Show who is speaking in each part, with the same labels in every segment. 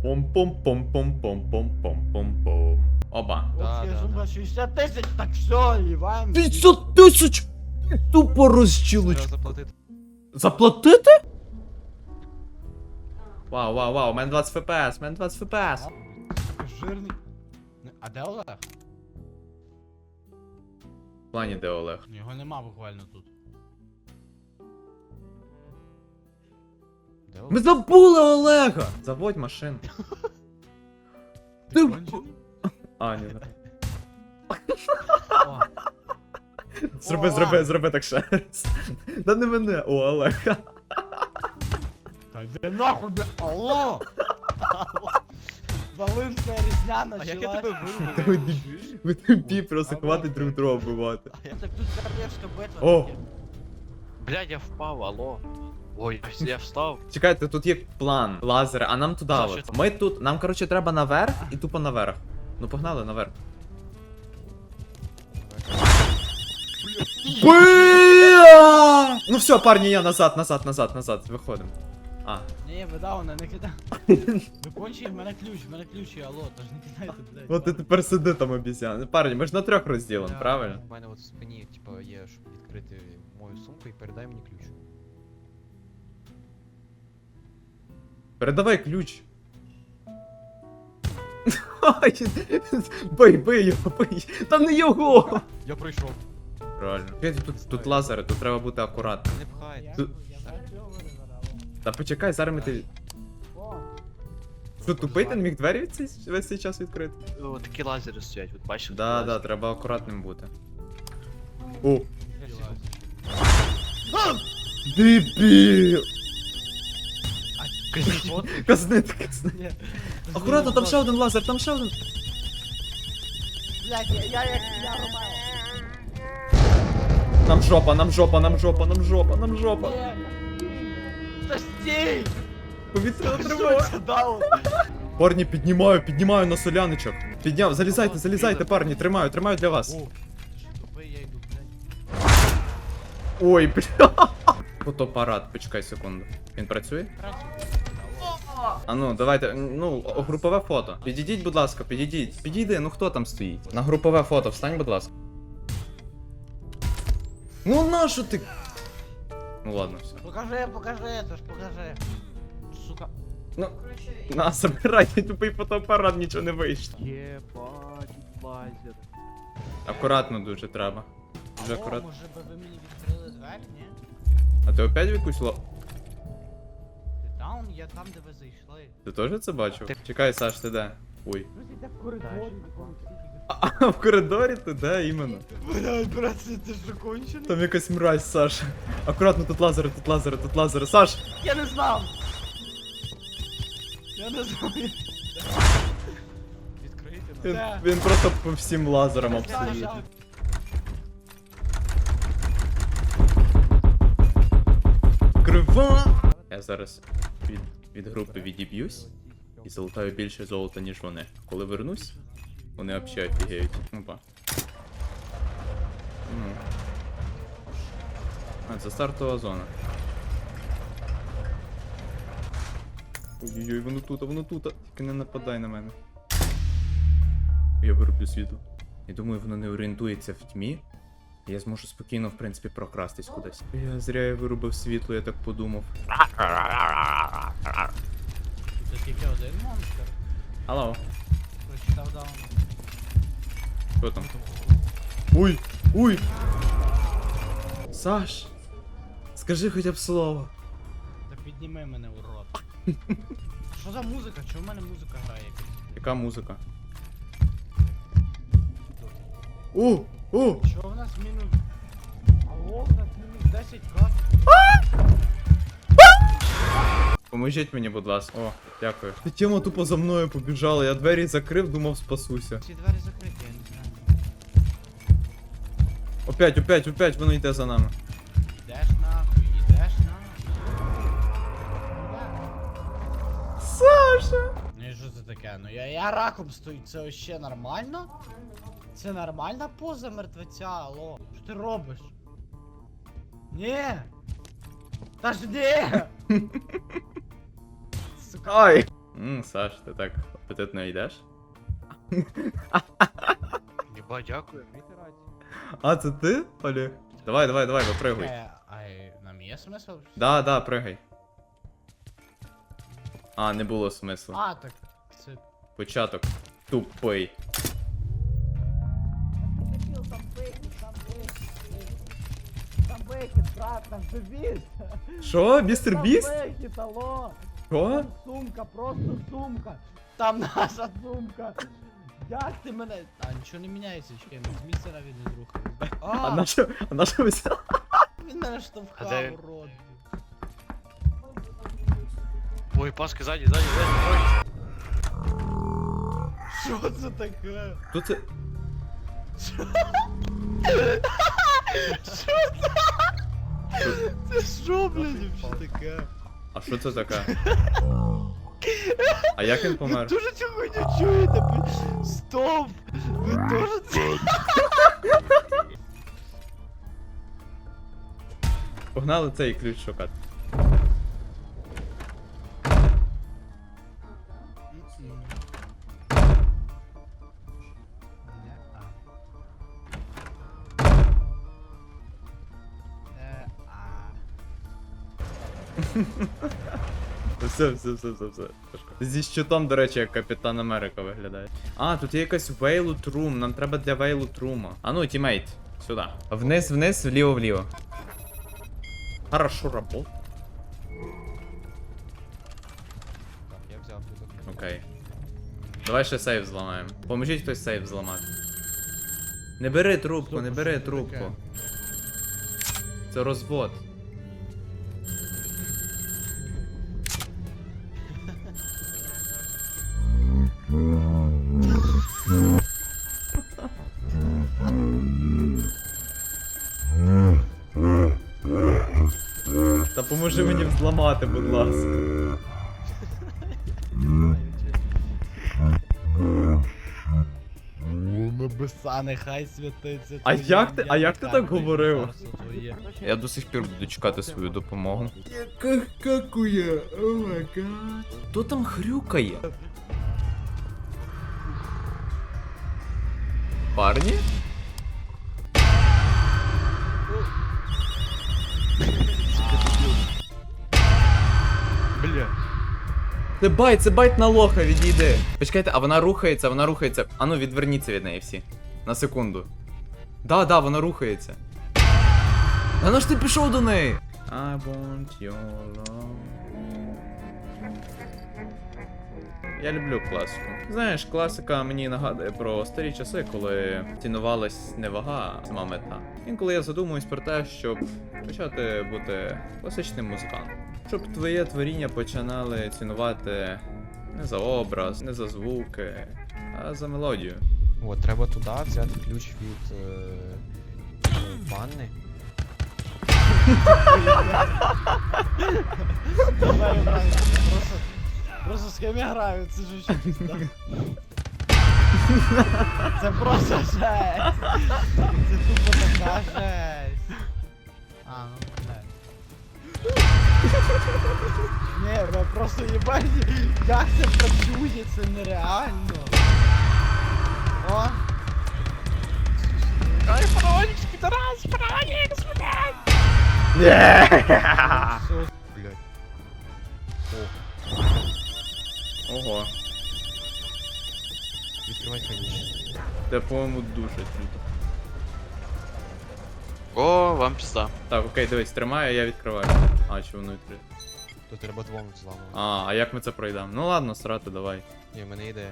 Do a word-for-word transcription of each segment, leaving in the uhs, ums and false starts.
Speaker 1: Пом-пом-пом-пом-пом-пом-пом-пом. Оба.
Speaker 2: Да,
Speaker 3: От
Speaker 2: да,
Speaker 3: сумка
Speaker 2: да.
Speaker 3: шістдесят тисяч, так все, Іван.
Speaker 1: п'ятдесят тисяч! Тупо
Speaker 2: Треба
Speaker 1: розчілочку.
Speaker 2: заплатити.
Speaker 1: Заплатити? Вау, вау, вау, у мене двадцять еф пі ес, у мене двадцять еф пі ес.
Speaker 3: Жирний. Не, А де Олег?
Speaker 1: В плані де Олег?
Speaker 3: Його нема буквально тут. Де Олег?
Speaker 1: Ми забули Олега! Заводь машину. Ти...
Speaker 3: кончений?
Speaker 1: А, ні, не.
Speaker 3: О,
Speaker 1: Зроби,
Speaker 3: О!
Speaker 1: зроби, зроби так ще раз. Да не мене, о, Олега.
Speaker 3: Та йди нахуй, бля. Алло! Волинська різня
Speaker 2: А як я
Speaker 3: началась.
Speaker 2: тебе
Speaker 1: Ви
Speaker 2: вирубив?
Speaker 1: дебі- Ви тупі, просто хватить друг друга вбивати.
Speaker 3: Так тут королевська битва.
Speaker 1: О!
Speaker 3: таке.
Speaker 2: Блядь, я впав, алло. Ой, я встав.
Speaker 1: Чекайте, тут є план, лазери, а нам туди
Speaker 2: Що,
Speaker 1: от.
Speaker 2: що це?
Speaker 1: Ми тут, нам коротше треба наверх і тупо наверх. Ну погнали наверх. Бля! Ну все, парні, я назад, назад, назад, назад, виходимо. А.
Speaker 3: Ні, ви дауна, не кидай. Ви кончі, в мене ключ, в мене ключ, і алло, тож не кидайте, блядь.
Speaker 1: От ти тепер сиди там обіцян. Парні, ми ж на трьох розділимо,
Speaker 2: Бля,
Speaker 1: правильно?
Speaker 2: У мене от в спині, типа, є, щоб відкрити мою сумку і передай мені ключ.
Speaker 1: Передавай ключ. Ай, бий, бий його, бий. Та не його!
Speaker 2: Я пройшов.
Speaker 1: Реально. Чекайте, Тут, тут лазери, тут треба бути акуратним.
Speaker 2: Не пхай.
Speaker 1: Тут-
Speaker 3: Я знаю, цього вибирала.
Speaker 1: Та почекай, зараз ми ти.
Speaker 3: О,
Speaker 1: Що, тупий ти не міг двері цей- весь цей час відкрити?
Speaker 2: О, такі лазери стоять, от бачиш?
Speaker 1: Да,
Speaker 2: такі
Speaker 1: да,
Speaker 2: лазери.
Speaker 1: треба акуратним бути. О,
Speaker 3: я сів.
Speaker 1: дебіл!
Speaker 2: Кажіть, от.
Speaker 1: Казнити, казнити.
Speaker 3: Ні.
Speaker 1: Акуратно, там ще один лазер, там ще один.
Speaker 3: Блядь, я, я як я Ромео.
Speaker 1: Нам жопа, нам жопа, нам жопа, нам жопа, нам жопа.
Speaker 3: Ні. Та стій!
Speaker 1: Повітряна
Speaker 3: Що
Speaker 1: тривога.
Speaker 3: це даун?
Speaker 1: Парні, піднімаю, піднімаю на соляничок. Підняв, залізайте, залізайте, парні, тримаю, тримаю для вас.
Speaker 3: О, тупий, я йду, блядь.
Speaker 1: Ой, бля. Фотоапарат, почекай секунду. Він працює? А ну, давайте, ну, групове фото. Підійдіть, будь ласка, підійдіть. Підійди, ну хто там стоїть? На групове фото встань, будь ласка. Ну нащо ти? Ну ладно, все.
Speaker 3: Покажи, покажи, це ж покажи. Сука.
Speaker 1: Ну, на, забирай, тупий фотоапарат, нічого не вийшло.
Speaker 2: Єбать, лазер.
Speaker 1: Акуратно дуже треба. Дуже
Speaker 3: Алло,
Speaker 1: акуратно.
Speaker 3: може би ви мені відкрили двері, ні?
Speaker 1: А ти опять в якусь ло...
Speaker 3: Ти даун, я там, де ви зайшли.
Speaker 1: Ти теж це бачив? Чекай, Саш, ти де? Ой.
Speaker 3: Ну, ти в коридорі.
Speaker 1: А, а в коридорі ти де іменно?
Speaker 3: Блядь, брат, це ти що кончений?
Speaker 1: Там якась мразь, Саш. Акуратно, тут лазери, тут лазери, тут лазери. Саш!
Speaker 3: Я не знав! Я не знав.
Speaker 2: Відкрийте нам.
Speaker 1: Він,
Speaker 3: Де?
Speaker 1: він просто по всім лазерам
Speaker 3: Я не знаю,
Speaker 1: абсолютно. Крива! Я зараз від, від групи відіб'юсь і залутаю більше золота, ніж вони. Коли вернусь, вони взагалі офігеють. Опа. Ну. А, це стартова зона. Ой-ой-ой, воно тут, воно тут. Тільки не нападай на мене. Я вироблю світло. Я думаю, воно не орієнтується в тьмі. Я зможу спокійно, в принципі, прокрастись кудись. Я зря я вирубив світло, я так подумав.
Speaker 3: Це тільки один монстр.
Speaker 1: Алло,
Speaker 3: Прочитав даун.
Speaker 1: що там? Уй! Уй! Саш! Скажи хоча б слово.
Speaker 3: Та підніми мене, урод. Що за музика? Чого в мене музика грає якась?
Speaker 1: Яка музика? О! О!
Speaker 3: Що в нас мінус? Алло, в нас мінус десять ка.
Speaker 1: Поможіть мені, будь ласка. О, дякую. Ти тема тупо за мною побіжала, я двері закрив, думав спасуся.
Speaker 3: Ці двері закриті, я не знаю.
Speaker 1: Опять, опять, опять воно йде за нами.
Speaker 3: Ідеш нахуй, ідеш нахуй.
Speaker 1: Саша!
Speaker 3: Ну і що це таке? Ну я, я раком стою, це ще нормально? Це нормальна поза мертвеця, алло. Що ти робиш? Ні! Та ж ні! Сука.
Speaker 1: Ай! Ммм, Саш, ти так апетитно йдеш?
Speaker 2: Єба, дякую.
Speaker 1: А, це ти, Олег? Давай, давай, давай, випригуй.
Speaker 3: Е, а й- нам є смисл?
Speaker 1: Да, да, пригай. А, не було смислу.
Speaker 3: А, так. Це.
Speaker 1: Початок. Тупий.
Speaker 4: Дебил, там бэкет, там бэкет. Там бэкет, брат, там дебил.
Speaker 1: Що, містер
Speaker 4: Там
Speaker 1: Біст?
Speaker 4: бэкет, алло.
Speaker 1: Що?
Speaker 4: Там сумка, просто сумка.
Speaker 3: Там наша сумка. Як ти мене. А, нічого не міняється, чекай, ми з місця навіть не рухаємось.
Speaker 1: А
Speaker 3: А,
Speaker 1: на що, а на що ви взяли?
Speaker 3: він мене штовхав,
Speaker 2: А де він?
Speaker 3: урод.
Speaker 2: Ой, Пашка, ззаді, ззаді, ззаді.
Speaker 3: Що це таке?
Speaker 1: Хто це?
Speaker 3: Це що, блядь, вообще таке?
Speaker 1: А що це таке? А як він
Speaker 3: Ви
Speaker 1: помер?
Speaker 3: дуже цю хуйню чуєте? ви- Стоп! Ви теж це...
Speaker 1: Погнали цей ключ шукати. Все, все, все, все, все. Зі щитом, до речі, як Капітан Америка виглядає. А, тут є якась Вейлут Рум, нам треба для Вейлут Рума. А ну, тімейт, сюди. Вниз, вниз, вліво, вліво. Хорошо работа.
Speaker 2: Так, я взяв тут.
Speaker 1: Окей. Давай ще сейф зламаємо. Поможіть хтось сейф зламати. Не бери трубку, не бери трубку. Це розвод. Та поможи мені взламати, будь ласка.
Speaker 3: Небеса, нехай святиться.
Speaker 1: А
Speaker 3: твоє
Speaker 1: як ти-
Speaker 3: ім'я,
Speaker 1: а як ти
Speaker 3: нехай
Speaker 1: так
Speaker 3: прийде
Speaker 1: говорив?
Speaker 3: царство твоє.
Speaker 1: Я до сих пір буду чекати свою допомогу.
Speaker 3: Какує? О май гад.
Speaker 1: Хто там хрюкає? Парні?
Speaker 2: Бля.
Speaker 1: Це байт, це байт на лоха, відійди. Почекайте, а вона рухається, вона рухається. Ану, відверніться від неї всі. На секунду. Да, да, вона рухається. А ну ж ти пішов до неї? I want your love. Я люблю класику. Знаєш, класика мені нагадує про старі часи, коли цінувалась не вага, а сама мета. Інколи я задумуюсь про те, щоб почати бути класичним музикантом. Щоб твоє творіння починали цінувати не за образ, не за звуки, а за мелодію.
Speaker 2: От, треба туди взяти ключ від е, е, ванни.
Speaker 3: Давай, брат, просто, просто з ким я граю, це ж ще пізда. Це просто жесть. Це тупо така жесть. А, ну блядь. Ні, ви просто їбать, як це працює, це нереально. О! Ай, паролікс, підарас, паролікс, блядь! Все,
Speaker 2: Блядь.
Speaker 1: Ого,
Speaker 2: Відкривай ханіше.
Speaker 1: це, по-моєму, дуже круто.
Speaker 5: О, вам пізда.
Speaker 1: Так, окей, дивись, тримаю, я відкриваю. А, чи воно відкрите?
Speaker 2: То треба двом зламувати.
Speaker 1: А, а як ми це пройдемо? Ну ладно, срати, давай.
Speaker 2: Ні, в мене ідея.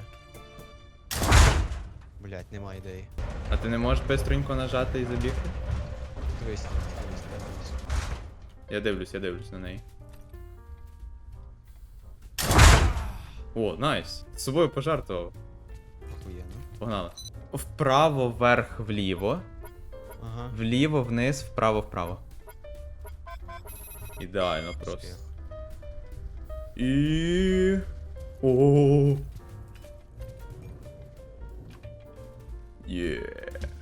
Speaker 2: Блять, нема ідеї.
Speaker 1: А ти не можеш бистренько нажати і забігти?
Speaker 2: Дивись, дивись, дивись.
Speaker 1: Я дивлюсь, я дивлюсь на неї. О, найс. З собою пожартував.
Speaker 2: Охуєнно.
Speaker 1: Погнали. Вправо, вверх, вліво.
Speaker 2: Ага.
Speaker 1: Вліво, вниз, вправо, вправо. Ідеально просто.
Speaker 2: Успіх.
Speaker 1: І. О. Є.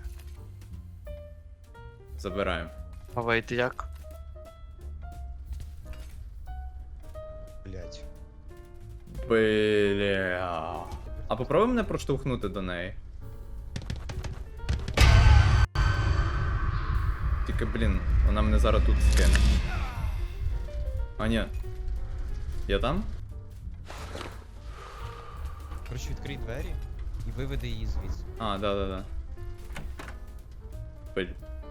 Speaker 1: Забираємо.
Speaker 5: А вийти як?
Speaker 2: Блять.
Speaker 1: Бля. А попробуй мене проштовхнути до неї. Тільки, блін, вона мене зараз тут скине. А ні. Я там?
Speaker 2: Коротше, відкрий двері і виведи її звідси.
Speaker 1: А, да-да-да. Блін.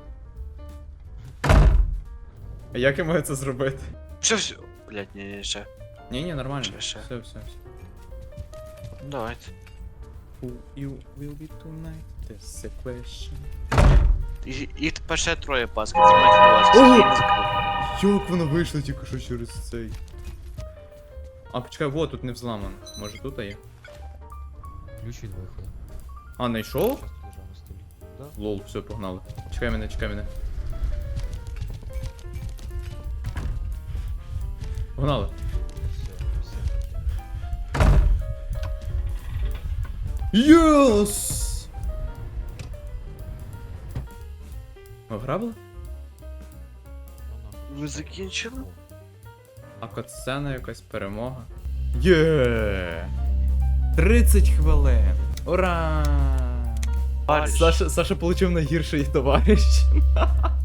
Speaker 1: А як я маю це зробити?
Speaker 5: Все, все. Блять, ні, ні, ще.
Speaker 1: Ні-ні, нормально.
Speaker 5: Ще, ще.
Speaker 1: Все, все, все.
Speaker 5: Ну, давайте.
Speaker 1: Who you will be tonight? That's the question.
Speaker 5: І- Їх тепер ще троє паски, тримайте до вас.
Speaker 1: Ого!
Speaker 5: Я не закрив.
Speaker 1: Як воно вийшло тільки що через цей. А, почекай, вот тут не взламано. Може тут є?
Speaker 2: Ключ від виходу.
Speaker 1: А, знайшов?
Speaker 2: Часто лежав на столі. Да?
Speaker 1: Лол, все, погнали. Чекай мене, чекай мене. Погнали.
Speaker 2: Все, все.
Speaker 1: Йос! Ми вграбили?
Speaker 2: Ну,
Speaker 5: Ви закінчили?
Speaker 1: А катсцена якась перемога. Є! тридцять хвилин! Ура!
Speaker 5: Товариш.
Speaker 1: Саша, Саша получив найгірший товариш.